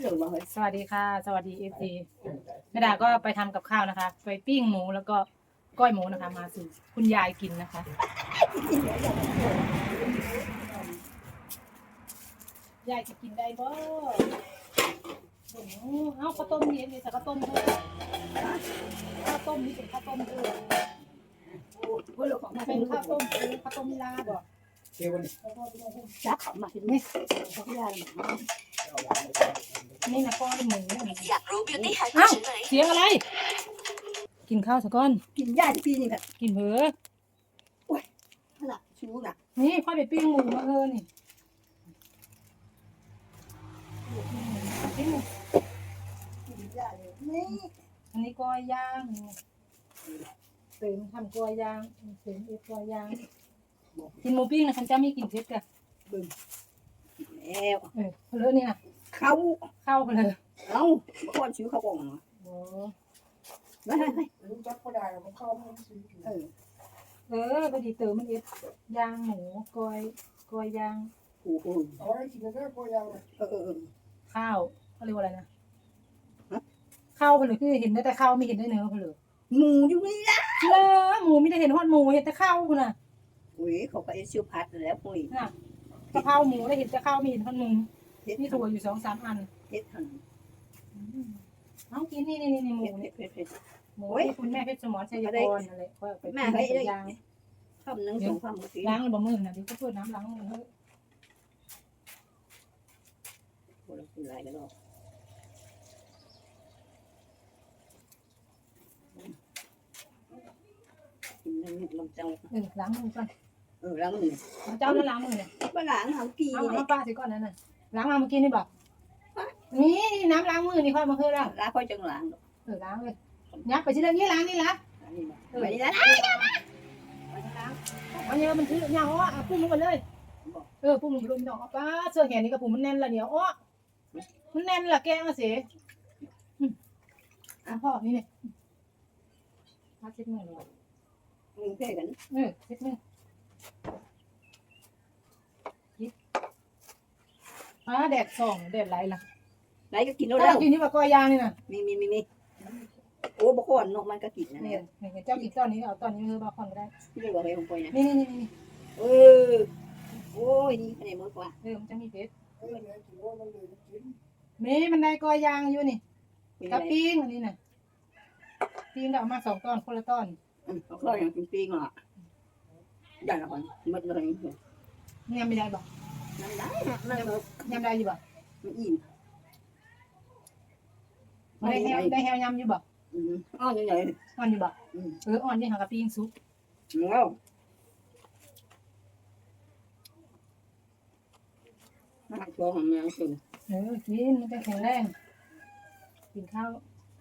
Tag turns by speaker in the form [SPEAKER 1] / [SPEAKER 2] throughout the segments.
[SPEAKER 1] สวัสดีค่ะสวัสดีเอฟซีแม่ดาก็ไปทำกับข้าวนะคะไปปิ้งหมูแล้วก็ก้อยหมูนะคะมาสู่คุณยายกินนะคะยายจะกินได้บ่โอ้โหเอาข้าวต้มเย็นเลยแต่ข้าวต้มด้วยข้าวต้มนี่เป็นข้าวต้มด้วยมันเป็นข้าวต้มข้าวต้มลาบ่
[SPEAKER 2] จักเขามาที่นี่เขาไม่ได้หรอก
[SPEAKER 1] นี่นะก้อยหมู
[SPEAKER 3] อยากรู้ beauty hack
[SPEAKER 1] อ้าว
[SPEAKER 3] ฉันไหม
[SPEAKER 1] เสียงอะไร กินข้าวสักก้อน
[SPEAKER 2] กินยาที่ปีนี่แบบ
[SPEAKER 1] กินเผลอ
[SPEAKER 2] ขนาดชู้น่ะ
[SPEAKER 1] นี่ค่อยไปปิ้งหมูมานี่ปิ้งหมู
[SPEAKER 2] กินยาเลยนี่
[SPEAKER 1] อันนี้ก้อยย่างเสริมทำก้อยย่างเสริมก้อยย่างกินหมูปิ้งนะคันจ้ามีกินเผ็ดกัน
[SPEAKER 2] แล้ว
[SPEAKER 1] เพลอนี่นะ
[SPEAKER 2] เขา
[SPEAKER 1] เข้าไปเลย
[SPEAKER 2] เอาคนชื่อเขาบอกมา
[SPEAKER 1] โอ้
[SPEAKER 2] ไม่ไม่
[SPEAKER 4] รู้จักก็ได้มันเข้ามันซื้อ
[SPEAKER 1] พอดีเติมมันย่างหมูก้อยย่าง
[SPEAKER 2] โอ้โห
[SPEAKER 4] เอาไว้กินได้ก็ยัง
[SPEAKER 1] ข้าวเขาเรียกว่าอะไรนะข้าวเพลอคือเห็นได้แต่ข้าวไม่เห็นได้เนื้อเพลอ
[SPEAKER 2] หมูอยู่นี่ละ
[SPEAKER 1] หมูไม่ได้เห็นทอดหมูเห็นแต่ข้าวคุณน่ะ
[SPEAKER 2] อุ้ยเขาก็เอชิวพัดแล้วปุ้ย
[SPEAKER 1] น่ะกะเพราหมูได้เห็นแต่ข้าวไม่เห็นทอดหมูมีถั่วอยู่2-3 อัน
[SPEAKER 2] เฮ็ดทัน
[SPEAKER 1] เอากินนี่หมู
[SPEAKER 2] เฮ็ด
[SPEAKER 1] เนี่ย
[SPEAKER 2] เฮ็ดเฮ็ด
[SPEAKER 1] หมูที่คุณแม่เพชรสมรชัยพรอะไรก็ไป
[SPEAKER 2] แม่
[SPEAKER 1] ปิ้ง
[SPEAKER 2] เฮ้ย
[SPEAKER 1] เป็นยาง
[SPEAKER 2] คำนึงสองคำเมื่อกี้
[SPEAKER 1] ล้างแล้วบ่มือนะเดี๋ยวก็เปิดน้ำล้างมือเฮ้ย
[SPEAKER 2] คนละคนหลายกันหรอกกินนั่งลำเจ้า
[SPEAKER 1] ล้างมือก่อน
[SPEAKER 2] ล้างมือ
[SPEAKER 1] เจ้าแล้วล้างมือเนี่ย
[SPEAKER 2] บ้านหลังเขากี่
[SPEAKER 1] เอา
[SPEAKER 2] เนี่ย
[SPEAKER 1] ป้าสิก่อนนั่นน่ะล้างมาเมื่อกี้นี่บอกนี่น้ำล้างมือนี่ค่อยมาคือแล้ว
[SPEAKER 2] ล้างค่อยจังหลัง
[SPEAKER 1] ล้างเลยยับไปที่เรื่องนี้ล้างนี่ละ
[SPEAKER 2] อันนี้ไปนี่ละ
[SPEAKER 1] อันนี้มันคือยังอ้อปุ้มลงไปเลยปุ้มลงไปลงดอกป้าเสื้อแขนนี่กับผมมันแน่นละเดี๋ยวอ้อมันแน่นละแกมาสิพ่อนี่เนี่ยมาเช็ดมือเลย
[SPEAKER 2] มึงเพ่กัน
[SPEAKER 1] เช็ดมือแดดส่องแดดไหลล่ะ
[SPEAKER 2] ไหนก็กินแล้ว
[SPEAKER 1] เจ้ากินนี่ปลาก้อยย่างนี่นะ
[SPEAKER 2] มีโอ้บกอนนกมันก็กินนะ
[SPEAKER 1] นี่
[SPEAKER 2] เนี่ย
[SPEAKER 1] เจ้ากินตอนนี้เอาตอนนี้คือมาคอนก็ได้
[SPEAKER 2] ที่เรียกว่าอะไรของปอยนะ
[SPEAKER 1] นี่
[SPEAKER 2] เออโอ้ยนี่คะแนนมากกว่า
[SPEAKER 1] มันจะมีเพชร
[SPEAKER 4] เออเนี่ยถือว่ามันเลยกิน
[SPEAKER 1] มีมันได้ก้อยย่างอยู่นี่กับปิ้งอันนี้น่ะปิ้งก็เอามา2 ตอนคนละตอน
[SPEAKER 2] เขาเคยอย่างกินปีงอ่ะได้ละคนมัดเลย
[SPEAKER 1] ยำไม่ได้บ่
[SPEAKER 2] นั่นได้นั่นก็
[SPEAKER 1] ยำได้อยู่บ่
[SPEAKER 2] มันอิ่ม
[SPEAKER 1] ได้แฮวยำอยู่บ่
[SPEAKER 2] อ้อนใหญ่
[SPEAKER 1] อ่อนอยู่บ่อ่อนนี่หากับปิ้งซุป
[SPEAKER 2] แล้วน่าชอบของแมวสิ
[SPEAKER 1] กินมันจะแข็งแรงกินข้าว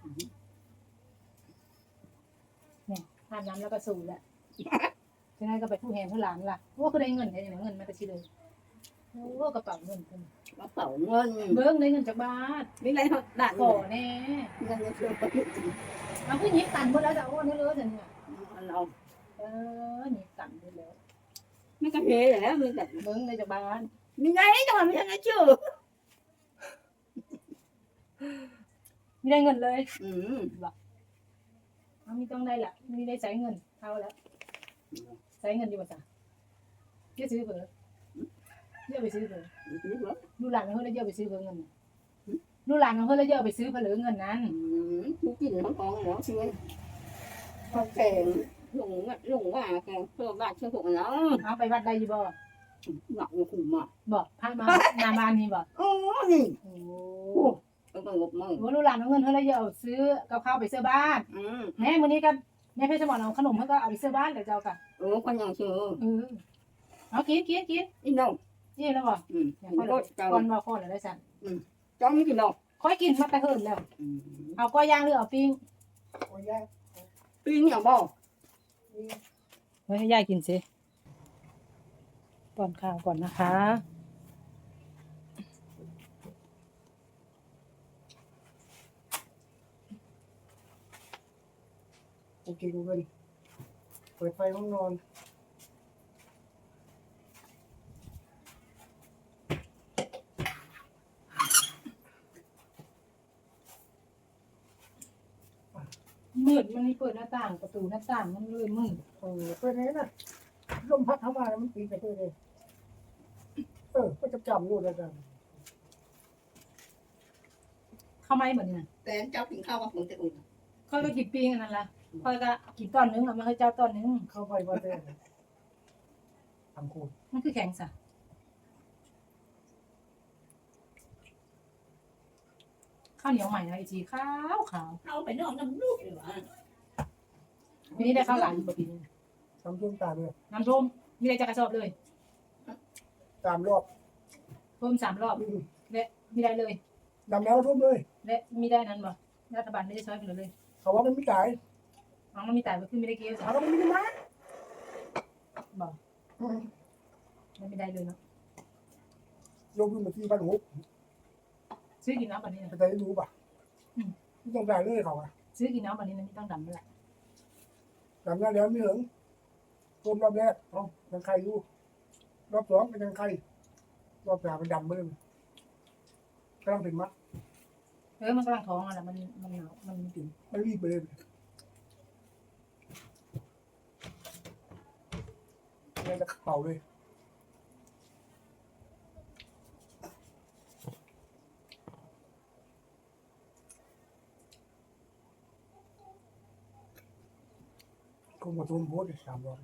[SPEAKER 1] เนี่ยทานน้ำแล้วก็สูดแหละจะได้ก็ไปผู้แทนผู้หลานล่ะว่าคือได้เงินได้เงินมาแต่ชิเลยโอ้กระเป๋าเงินคน
[SPEAKER 2] กระเป๋าเงิน
[SPEAKER 1] เบิ้งได้เงินจากบ้าน
[SPEAKER 2] ไม่ไรเขาด่าน
[SPEAKER 1] ขอแน่
[SPEAKER 2] เงินเชื่อประยุทธ์
[SPEAKER 1] เอาขึ้นยิบตันหมดแล้วจะโอ้นี่เลยเนี่ย
[SPEAKER 2] เรา
[SPEAKER 1] ยิบตันหมดแล้ว
[SPEAKER 2] ไม่กระเทยแล้วมันแต่
[SPEAKER 1] เบิ้งได้จากบ้าน
[SPEAKER 2] มีไงจังหวะไม่ทันได้ชื่อ
[SPEAKER 1] ไม่ได้เงินเลย เอามีต้องได้ละมีได้ใช้เงินเอาแล้วใช้เงินดีกว่าจ้ะเยอะซื้อเผลอเยอะไปซื้อเผลอดูหลานเขาแล้วเยอะไปซื้อเผลอเงินดูหลานเขาแล้วเยอะไปซื้อเผลอเงินนั้น
[SPEAKER 2] ผู้กินทั้งกองหมอช่วยเขาแข่งลงว่าแข่งเพื่อบ้านเชื่อถูกแล้ว
[SPEAKER 1] เอาไปวัดได้ยี่บ่
[SPEAKER 2] หนักอยู่ขุมอ่ะ
[SPEAKER 1] บอกพามาหน้าบ้านนี่บอก
[SPEAKER 2] โอ้นี่
[SPEAKER 1] โอ้
[SPEAKER 2] ต้องงบมือ
[SPEAKER 1] โหดูหลานเอาเงินเขาแล้วเยอะเอาซื้อกับข้าวไปซื้อบ้านแม่มื้อนี้กันแม่เพชรสมรเอาขนมเขาก็เอาไปซื้อบ้านกับเจ้าค่ะ
[SPEAKER 2] คนยังชื่อ
[SPEAKER 1] เอากิน
[SPEAKER 2] อีน้อง
[SPEAKER 1] นี่แล้วบ่อย่างพ่อก่อนบ่พ่อแล้วได้สั่น
[SPEAKER 2] จ้องไม่กินดอก
[SPEAKER 1] ค่อยกินมาแต่เฮิ่นแล้วเอาก้อยย่างหรือเอาปิ้ง
[SPEAKER 4] โอ้ยยาก
[SPEAKER 2] ปีนี้บ่
[SPEAKER 1] ไว้ให้ยายกินสิป้อนข้าวก่อนนะคะ
[SPEAKER 4] โอเคกูเลยเปิดไฟห้องนอน
[SPEAKER 1] มืดมันนี่เปิดหน้าต่างประตูหน้าต่างมันเลยมืด
[SPEAKER 4] เป็นไงนะลมพัดเข้ามาแล้วมันปีไปเลยก็จะจำนู่นแล้วกัน
[SPEAKER 1] เข้าไม้เหมือนเนี่ย
[SPEAKER 2] แต่เจ้ากินข้าวกับผมจะอุ่น
[SPEAKER 1] ค่อยก็กินปิ้งอันนั้นละค่อยก็กินตอนนึงแล้วมันค่อยเจ้าตอนนึง
[SPEAKER 4] เข้าไปว่าแต่ทำคูณ
[SPEAKER 1] มันคือแข็งสะข้าวเหนียวใหม่นะไอจีขาวขาว
[SPEAKER 2] เอาไปนอกน้ำลูกเลยวะ
[SPEAKER 1] ปีนี้ได้ข้าวหลามกว่าปีนี้
[SPEAKER 4] ทำช่วงตามเลย
[SPEAKER 1] น้ำท่วมมีอะไรจะกระสอบเลย
[SPEAKER 4] ตามรอบ
[SPEAKER 1] ท่วม3 รอบและมีได้เลย
[SPEAKER 4] ดำแล้วทุ่มเลย
[SPEAKER 1] และมีได้นั้นบ่รัฐบาลไม่ได้ช่วยไปเลย
[SPEAKER 4] เขาว่ามันไม่จ่าย
[SPEAKER 1] น้องมันมีแต่ก็คือไม่ได้เกี่ยว
[SPEAKER 4] เขาว่ามันไม่มา
[SPEAKER 1] บอกมันไม่ได้เลยเนาะ
[SPEAKER 4] ลงทุนมาที่บ้านหู
[SPEAKER 1] ซื้อกินน้ำแบบนี้นะ
[SPEAKER 4] จะได้รู้ป่ะไม่ต้องจ่ายเลยเขาอะ
[SPEAKER 1] ซื้อกินน้ำแบบนี้นะไม่ต้องดำแล้วแหละ
[SPEAKER 4] ดำแล้วไม่ถึงต้มรอบแรกยังใครอยู่รอบสองเป็นยังใครรอบสามมันดำเบิ่มกำลังเป็นมัด
[SPEAKER 1] มันกำลังท้องอ่ะแหละมันหนาวมันถึง
[SPEAKER 4] มันรีบไปเลยไม่จะเป่าเลยคงมาทุ่มโพสต์3 รอบ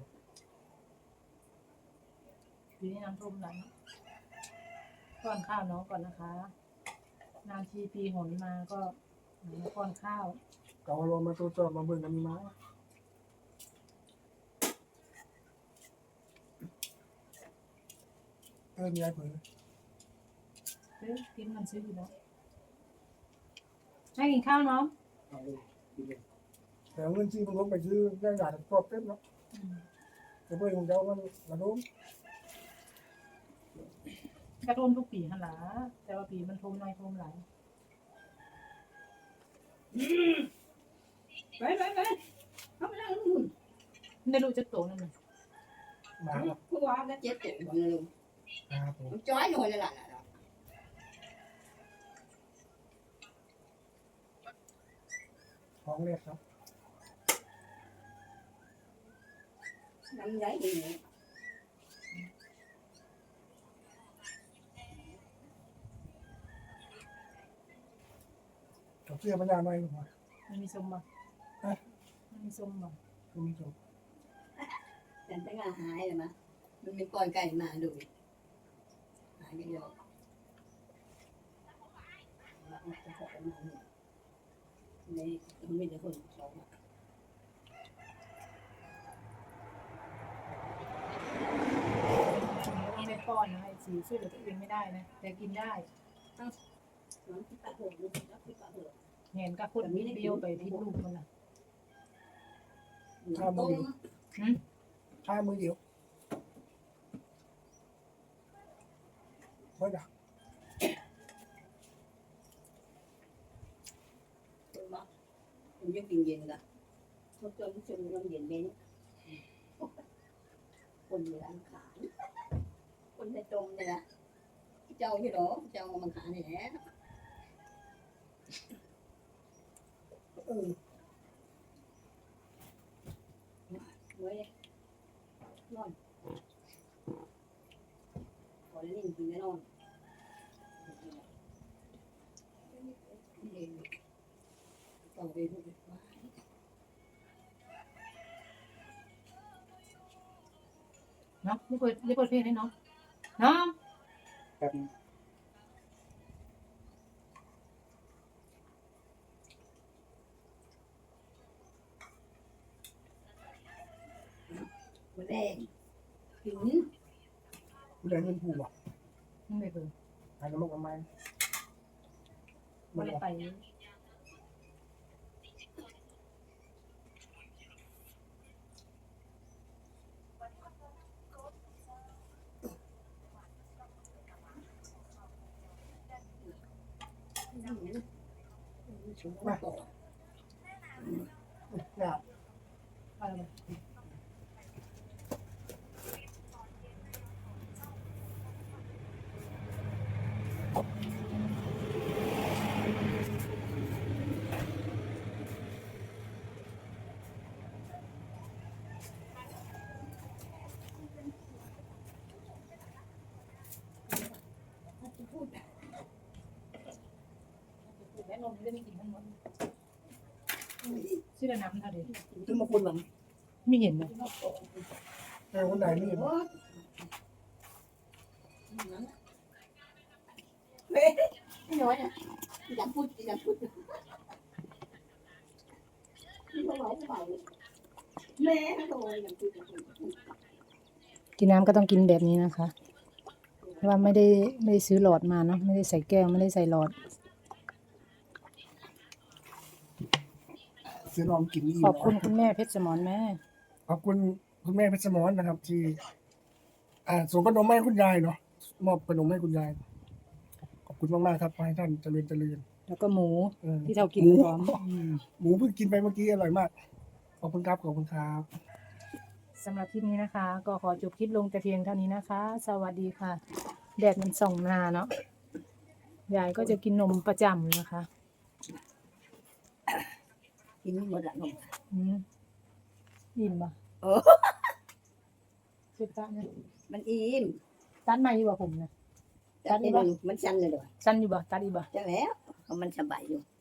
[SPEAKER 1] ปีนี้น้ำท่วมหลังป้อนข้าวน้องก่อนนะคะนานทีปีหนมาก็ป้อนข้าว
[SPEAKER 4] ก็เอาลงมาตัวจอบมาเบิ่งกันมีมามีอะไรเผย
[SPEAKER 1] กินมันซื้ออยู่แล้วให้กินข้าวน้อง
[SPEAKER 4] แต่เงินซื้อมันลงไปซื้อได้หลายครอบเต็มแล้วจะเบิ่งของเจ้ามันกระโดด
[SPEAKER 1] กระท่วมทุกปีหั่นล่ะแต่ว่าปีมันท่วมน้อยท่วมหลาย
[SPEAKER 2] ไปเอาไปนั่งนู่น
[SPEAKER 1] มันได้รู้จักโตนั่นน่ะ
[SPEAKER 4] มา
[SPEAKER 2] ผู้ว่าก็เจ็บตัวอยู่เลย
[SPEAKER 4] ครับผม
[SPEAKER 2] มันจ้อยหน่อยเลยล่ะ
[SPEAKER 4] ท้องแรกครับ
[SPEAKER 2] น้ำไหลดีเนี่ย
[SPEAKER 4] กับเสื้อมันยาวหน่อยหน่อย
[SPEAKER 1] มันมีส้มบ่มันมีส้มบ่
[SPEAKER 4] คุณผู้ชม
[SPEAKER 2] แต่ตั้งอาหายเลยมั้ยมันมีปล่อยไก่มาดูหายไปเยอะนี่มันมีแต่คนสอง
[SPEAKER 1] ไม่ได้ป้อนนะไอ้สีช่วยเหลือตัวเองไม่ได้นะแต่กินได้
[SPEAKER 2] น้ำที่ปะเหือกน้ำที่ปะเหือก
[SPEAKER 1] เห็นกับคนเบี้ยวไปพิษลูกมันน่ะ
[SPEAKER 2] ต้ม
[SPEAKER 4] ข้ามือเดียวเฮ้ยนะ
[SPEAKER 2] ต้มมะมันยังกินเย็นละเขาจนน้ำเย็นเย็นคนในร้านขายคนในต้มเนี่ยนะเจ้าที่หรอเจ้ามันขายนี่แหละ เว้ยนอนขอเล่นกินแน่นอนต่อไปดูว่า
[SPEAKER 1] เนาะอย่าเปิดเพลงให้น้องน้อง
[SPEAKER 4] แบบ
[SPEAKER 2] มันแดงหิน
[SPEAKER 4] ผู้ใดเงินผู้อ่ะ
[SPEAKER 1] มันไม่เปิด
[SPEAKER 4] หายน้ำมันกับไม้
[SPEAKER 1] ไม่ได้ไป
[SPEAKER 2] มาต่อ
[SPEAKER 4] อยาก
[SPEAKER 1] อะไรนมจะไม่กินทั้งหมดชื่อน้ำเท่าเดิม
[SPEAKER 4] ถึงมาคนหลัง
[SPEAKER 1] ไม่เห็นนะ
[SPEAKER 4] แต่คนใดนี่
[SPEAKER 2] ไม่น้อยอ่ะอย่าพูดอย่าพูดแม่โตอย่าพูด
[SPEAKER 1] กินน้ำก็ต้องกินแบบนี้นะคะเพราะว่าไม่ได้ซื้อหลอดมาเนาะไม่ได้ใส่แก้วไม่ได้ใส่หลอด
[SPEAKER 4] เสือนอมกินนี่
[SPEAKER 1] ขอบคุณคุณแม่เพชรสมรแม่
[SPEAKER 4] ขอบคุณคุณแม่เพชรสมรนะครับ ที่ส่งขนมให้คุณยายเนาะมอบขนมให้คุณยายขอบคุณมากๆครับขอให้ท่านเจริญเจริญ
[SPEAKER 1] แล้วก็หมู ที่เรากิน
[SPEAKER 4] หมู
[SPEAKER 1] พร้อม
[SPEAKER 4] หมูเพิ่งกินไปเมื่อกี้อร่อยมากขอบคุณครับขอบคุณครับ
[SPEAKER 1] สำหรับคลิปนี้นะคะ ก็ขอจบคลิปลงแต่เพียงเท่านี้นะคะ สวัสดีค่ะ แดดมันส่องหน้าเนาะยายก็จะกินนมประจำนะคะ
[SPEAKER 2] กินหมดละนม
[SPEAKER 1] อิ่มปะ
[SPEAKER 2] เออ
[SPEAKER 1] เจ็บตาเนี่ย
[SPEAKER 2] มันอิ่ม
[SPEAKER 1] ตัดมาอยู่บ่ผมนะ
[SPEAKER 2] แต่มันชันเลยด้วย
[SPEAKER 1] สั้นอยู่บ่ตัดอีกบ่
[SPEAKER 2] จะแล้วมันสบายอยู่